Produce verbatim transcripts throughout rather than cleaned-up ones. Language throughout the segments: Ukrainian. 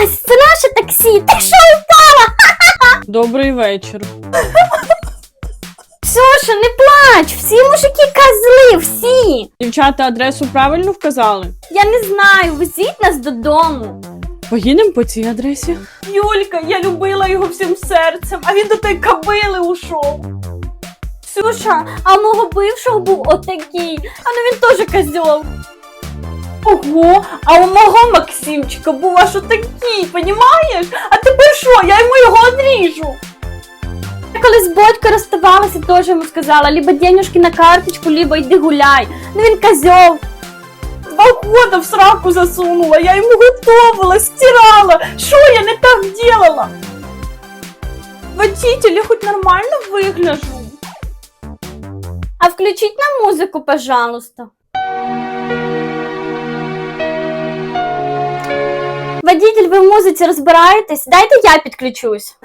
Вась, це наше таксі, ти що упала? Добрий вечір. Ксюша, не плач, всі мужики козли, всі. Дівчата, адресу правильно вказали? Я не знаю, везіть нас додому. Поїдемо по цій адресі? Юлька, я любила його всім серцем, а він до тої кобили ушов. Ксюша, а у мого бившого був отакий, а ну він теж козьол. Ого, а у мого Максимчика був аж отакий, понімаєш? А тепер що, я йому його одріжу. Я коли з Бодькою розставалася, теж йому сказала, либо денежки на карточку, либо йди гуляй. Ну він козьол. Два года в сраку засунула, я йому готовила, стирала. Що я не так делала? Водитель, я хоч нормально вигляжу. А включіть нам музику, пожалуйста. Водитель, ви в музиці розбираєтесь? Дайте я підключусь.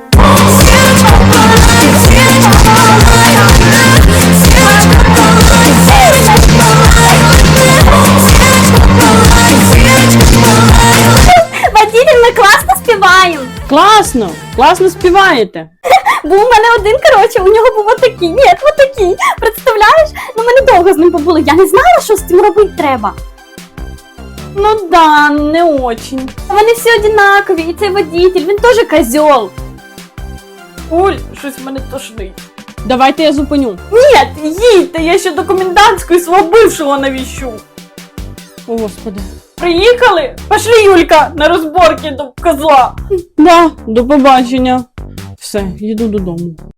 Водитель, ми класно співаємо. Класно! Класно співаєте! Був у мене один, коротше, у нього був отакий, ні, отакий. Представляєш? Ну ми недовго з ним побули, я не знала, що з цим робити треба. Ну да, не очень. Вони всі однакові, і цей водитель, він теж козьол. Оль, щось в мене тошнить. Давайте я зупиню. Ні, їдьте, я ще до комендантської свого бившого навіщу. О, Господи. Приїхали? Пошли, Юлька, на розборки до козла. Да, до побачення. Все, їду додому.